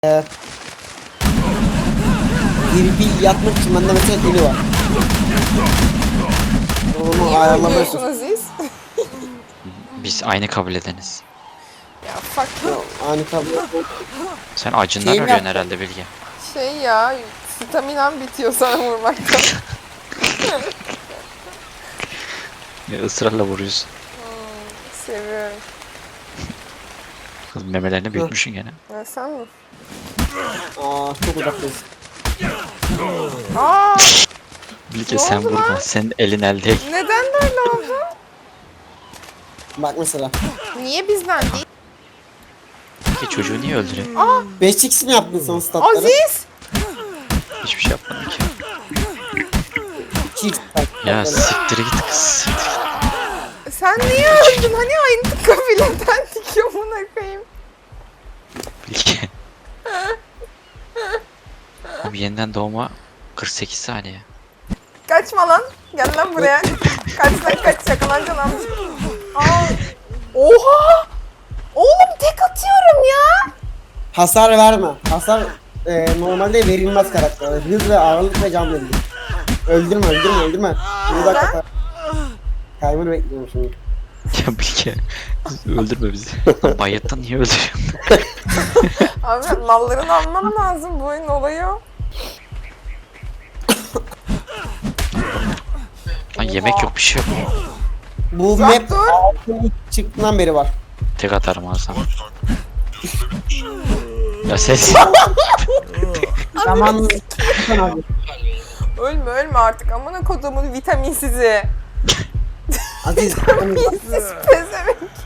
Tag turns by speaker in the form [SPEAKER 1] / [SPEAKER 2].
[SPEAKER 1] PvP yapmak için bende mesela dili var. Onu
[SPEAKER 2] Niye
[SPEAKER 1] ayarlamak için.
[SPEAKER 2] ölmüyorsun Aziz?
[SPEAKER 3] Biz aynı kabul edeniz.
[SPEAKER 2] Ya fuck you.
[SPEAKER 1] Aynı kablo.
[SPEAKER 3] Sen acından
[SPEAKER 1] Şeyim
[SPEAKER 3] ölüyorsun
[SPEAKER 1] yaptı.
[SPEAKER 3] herhalde Bilge.
[SPEAKER 2] Şey ya, staminam bitiyor sana vurmaktan.
[SPEAKER 3] Ya ısrarla vuruyorsun.
[SPEAKER 2] Seviyorum.
[SPEAKER 3] Kız memelerini büyütmüşsün gene.
[SPEAKER 2] Ya sen mi?
[SPEAKER 1] Çok uzaktayız.
[SPEAKER 2] Aa,
[SPEAKER 3] Bilge
[SPEAKER 2] Ne
[SPEAKER 3] sen
[SPEAKER 2] oldu
[SPEAKER 3] vurma.
[SPEAKER 2] lan?
[SPEAKER 3] Senin elin el değil.
[SPEAKER 2] neden böyle oldu?
[SPEAKER 1] Bak mesela.
[SPEAKER 2] Niye bizden değil?
[SPEAKER 3] Bilge çocuğu niye öldürüyor?
[SPEAKER 1] 5x mi yaptın son statları?
[SPEAKER 2] Aziz!
[SPEAKER 3] Hiçbir şey yapmadım ki.
[SPEAKER 1] 2x
[SPEAKER 3] Ya siktir git kız. Siktir git.
[SPEAKER 2] Sen niye öldün? Hani aynı kabileden dikiyor buna koyayım.
[SPEAKER 3] Bilge. Abi yeniden doğma 48 saniye.
[SPEAKER 2] Kaçma lan. Gel lan buraya. Kaç lan kaç, yakalanacaksın amca. Aa. Oha! Oğlum tek atıyorum ya.
[SPEAKER 1] Hasar verme. Hasar normalde verilmez karaktere. Hız ve ağırlık ve can verilir. Öldürme. Bir dakika. Timer bekliyorum şimdi.
[SPEAKER 3] Ya Bilge. Öldürme bizi. Lan bayattan niye öldürüyorsun?
[SPEAKER 2] Abi nallarını almam lazım. Bu oyunun olayı o.
[SPEAKER 3] Lan yemek yok bir şey yok.
[SPEAKER 1] Bu
[SPEAKER 2] Uzak
[SPEAKER 1] map
[SPEAKER 2] dur.
[SPEAKER 1] 6 çıktığından beri var.
[SPEAKER 3] Tek atarım ağzına. Ya ses.
[SPEAKER 1] Zaman abi.
[SPEAKER 2] Ölme artık. Amına kodumun vitaminsizi.
[SPEAKER 1] Aziz.
[SPEAKER 2] Vitaminsiz pezevenk.